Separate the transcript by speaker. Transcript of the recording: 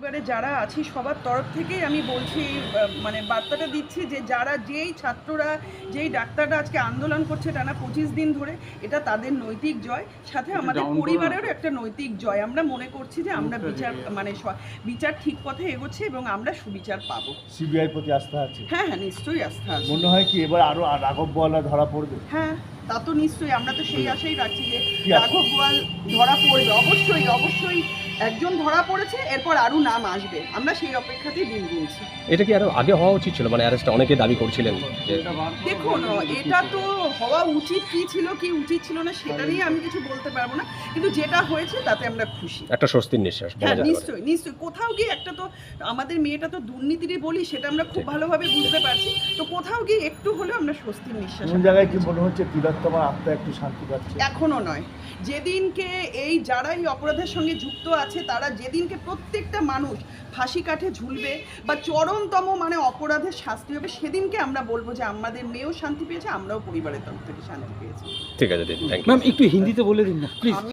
Speaker 1: পরিবারে যারা আছি সবার তরফ থেকেই আমি বলছি, মানে বার্তাটা দিচ্ছি যে যারা যেই ছাত্ররা যেই ডাক্তাররা আজকে আন্দোলন করছে টানা 25 দিন ধরে, এটা তাদের নৈতিক জয়, সাথে আমাদের পরিবারেরও একটা নৈতিক জয়। আমরা মনে করছি যে আমরা বিচার ঠিক পথে এগোচ্ছে এবং আমরা সুবিচার পাবো।
Speaker 2: সিবিআই প্রতি আস্থা আছে?
Speaker 1: হ্যাঁ হ্যাঁ, নিশ্চয়ই আস্থা আছে।
Speaker 2: মনে হয় কি এবার আরো রাঘব বোয়ালরা ধরা পড়বে?
Speaker 1: হ্যাঁ, তা তো নিশ্চয়ই, আমরা তো সেই আশাই রাখছি যে রাঘব বোয়াল ধরা পড়বে। অবশ্যই অবশ্যই একজন ধরা পড়েছে, এরপর আরও নাম আসবে, আমরা সেই অপেক্ষাতেই দিন গুনছি।
Speaker 3: এটা কি আরো আগে হওয়া উচিত ছিল? মানে অ্যারেস্টটা অনেকে দাবি করছিলেন যে
Speaker 1: দেখুন, এটা তো হওয়া উচিত কি ছিল কি উচিত ছিল না সেটা নিয়ে আমি কিছু বলতে পারবো না, কিন্তু যেটা হয়েছে তাতে আমরা খুশি।
Speaker 3: একটা স্বস্তির নিঃশ্বাস বলা
Speaker 1: হ্যাঁ
Speaker 3: যেতে পারে।
Speaker 1: নিশ্চয়ই নিশ্চয়ই, কোথাও গিয়ে একটা তো আমাদের মেয়েটা তো দুর্নীতিরই বলি, সেটা আমরা খুব ভালোভাবে বুঝতে পারছি, তো কোথাও গিয়ে একটু হলেও আমরা স্বস্তির নিঃশ্বাস।
Speaker 2: কোন জায়গায় কি মনে হচ্ছে তিলোত্তমার আত্মা একটু শান্তি পাচ্ছে?
Speaker 1: এখনো নয়, যেদিনকে এই যারা এই অপরাধের সঙ্গে যুক্ত আছে তারা যেদিনকে প্রত্যেকটা মানুষ ফাঁসি কাঠে ঝুলবে বা চরমতম মানে অপরাধের শাস্তি হবে, সেদিনকে আমরা বলবো যে আমাদের মেয়েও শান্তি পেয়েছে, আমরাও পরিবারের তরফ থেকে শান্তি পেয়েছি।
Speaker 3: ঠিক আছে দিদি, থ্যাংক ইউ।
Speaker 4: ম্যাম একটু হিন্দিতে বলে দিন না প্লিজ।